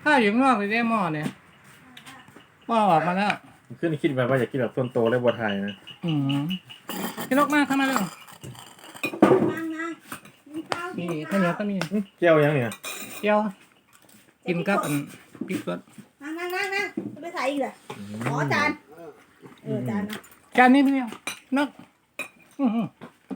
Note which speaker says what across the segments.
Speaker 1: ข้าวอยู่ข้างนอกเลยได้หม้อเนี่ยหม้อออกมาแล้ว
Speaker 2: ขึ้นคิดไปว่าอยากกินแบบต้นโตและบัวไทยนะ
Speaker 1: พี่นกมากเข้ามาเร็ว
Speaker 3: นั่งกินข้าว
Speaker 1: นี่ข้าวเหนียวก็มี
Speaker 2: เจียวยังเนี่ย
Speaker 1: เกี๊ยวกินกับพริกสด
Speaker 3: นั่งจะไปใส่อีกเหรอขอจานจานนะ
Speaker 1: จานนี้พี่เนี่ยนกอื้อหือ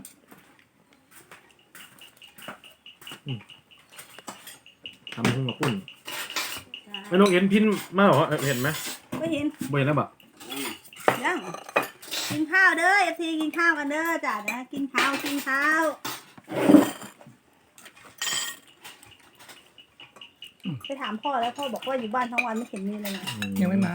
Speaker 2: ทำขึ้นมาคุ้นไม่นกเห็นพินมาเหรอเห็นไหม
Speaker 3: ไม่เห็น
Speaker 2: ไม่เห็นแล้วแบบ
Speaker 3: ยังกินข้าวเด้อเอฟซีกินข้าวกันเด้อจ้านะกินข้าวไปถามพ่อแล้วพ่อบอกว่าอยู่บ้านทั้งวันไม่เห็นมีอะไรเลย
Speaker 1: ยังไม่มา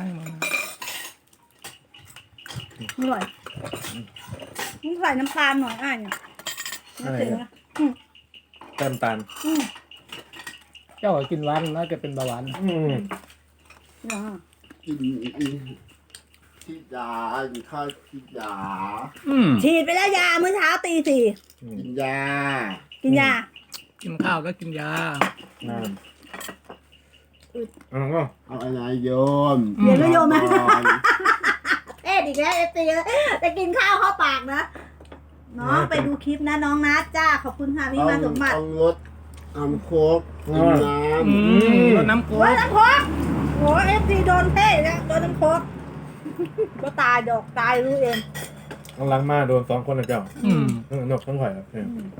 Speaker 3: อร่อยมึงใส่น้ำตาลหน่อยเนี่ยไม่ถึงนะ
Speaker 2: แต้มตาล
Speaker 1: เจ้ากินหวานน่าจะเป็นเบาหวาน
Speaker 4: กินที่ยากินข้าวที่ยา
Speaker 3: ฉีดไปแล้วยาเมื่อเช้าตี 4
Speaker 4: กินยา
Speaker 3: กินยา
Speaker 1: กินข้าวก็กินยา
Speaker 2: น้ำก็
Speaker 4: เอาอะไรโยม
Speaker 3: เดี๋ยวก็โยมนะ
Speaker 4: ก่อน
Speaker 3: เอ็ดอีกแล้วเอฟซีจะกินข้าวเข้าปากนะน้องไปดูคลิปนะน้องนัดจ้าขอบคุณค่ะพี่มาสมบัติ
Speaker 4: ต้องรสน้ำโคกกินน้ำ
Speaker 1: รดน้ำโค้
Speaker 3: โอ้ย
Speaker 1: ก
Speaker 3: น้ำโคกโอ้เอฟซีโดนเท่แล้วโดนน้ำโคกก็ตายดอกตายรู้เอง
Speaker 2: กำลังมาโดน2 คนเลยเจ้านกทั้งหอยครับ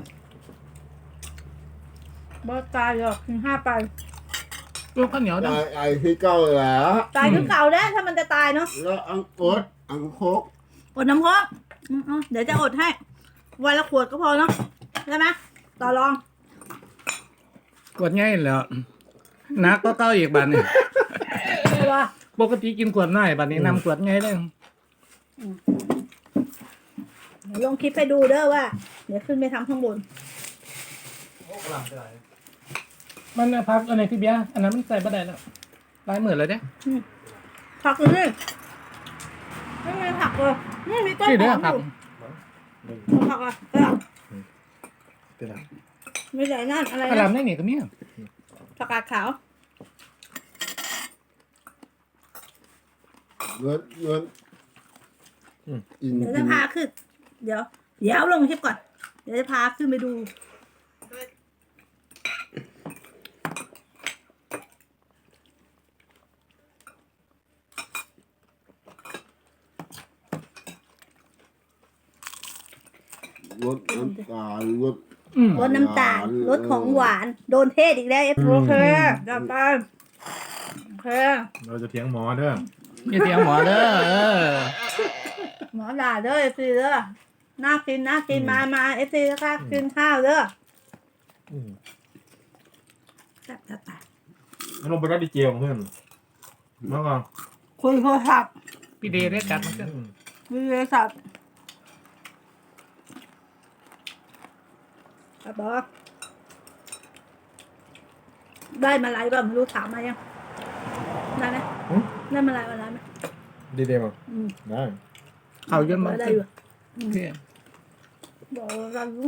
Speaker 3: บ่ตายดอกถึง5 ไป
Speaker 1: ลูกข้าวเหนียว
Speaker 4: ตา
Speaker 1: นะ
Speaker 4: ยไอ้ที่เก้าแล้ว
Speaker 3: ตายคือเก่าแล้วถ้ามันจะตายเนาะ
Speaker 4: แล้วอังอดอังโคก
Speaker 3: อดน้ำโคกเดี๋ยวจะอดให้วันละขวดก็พอเนาะใช่ไหมต่อรอง
Speaker 1: กดง่ายแล้วนักก็เก้าอีกบาทนี่
Speaker 3: ใช่ปะ
Speaker 1: ปกติกินขวดน้อยบาทนี้นำขวดง่ายเลย
Speaker 3: ลงคลิปให้ดูเด้อว่า เดี๋ยวขึ้นไปทำข้างบน
Speaker 1: มันพักอันไหนพี่เบียร์อันนั้นมันใส่บะได้แล้วลายเหมือนเลยเนี่ย
Speaker 3: ผักเลยไม่มีผักเลยนี่มีต้น
Speaker 1: ที่
Speaker 3: ห
Speaker 1: เด้
Speaker 3: อ
Speaker 1: อ
Speaker 3: ม
Speaker 1: ผัก
Speaker 3: อยู่ผักอ่ะ
Speaker 2: เป็นไร
Speaker 3: ไม่ใส่นั่นอะไร
Speaker 1: กระห
Speaker 3: นะ
Speaker 1: ลำได้นี่ก็มี
Speaker 3: ผักกาดขาว
Speaker 4: เงินกิน
Speaker 3: เดี๋ยวจะพาขึ้น เดี๋ยวลงคลิปก่อน เดี๋ยวจะพาขึ้นไปดู
Speaker 4: รสน้ำตาลรส
Speaker 3: รสน้ำตาลรสของหวาน โดนเทศอีกแล้วโอเคจับไปโอเค
Speaker 2: เราจะเถียงหมอเด้อ
Speaker 1: มีเสียงหมอเด้อ
Speaker 3: หมอด่าเด้อเอฟซีเด้อน่ากินมาเอฟซีนะคะกินข้าวเด้อจับ
Speaker 2: แล้วลงไปรัดดีเจียวเพื่อนมาก่อน
Speaker 3: คุยโทรศัพท์
Speaker 1: พี่เดย์ได้กัดมันก็
Speaker 3: คุยโทรศัพท์บอกได้มาไลฟ์ป่ะไม่รู้ถามมายังได้ไหมได้มาไลฟ์ไหม
Speaker 2: ดีเดียวได้
Speaker 1: เขาเยอะมาก
Speaker 3: ได้อยู่
Speaker 1: โอเค
Speaker 3: บอกเรารู้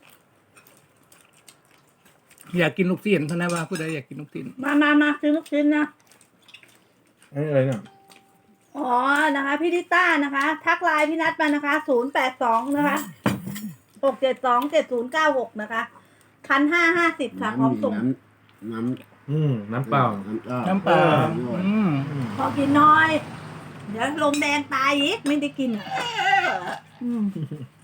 Speaker 1: อยากกินลูกชิ้นเท่านั้นว่าผู้ใดอยากกินลูกชิ้น
Speaker 3: มาซื้อลูกชิ้นนะ
Speaker 2: อะไรเนี่ย
Speaker 3: อ๋อนะคะพี่ดิต้านะคะ ทักไลน์พี่นัดมานะคะ082นะคะ6727096นะคะ1,550ค่ะพร้อมส่ง
Speaker 4: น้ำ
Speaker 2: น้ำเปล่า
Speaker 1: น้ำเปล่า
Speaker 3: พอกินน้อย เดี๋ยวลมแดงตายอีกไม่ได้กินอ่ะ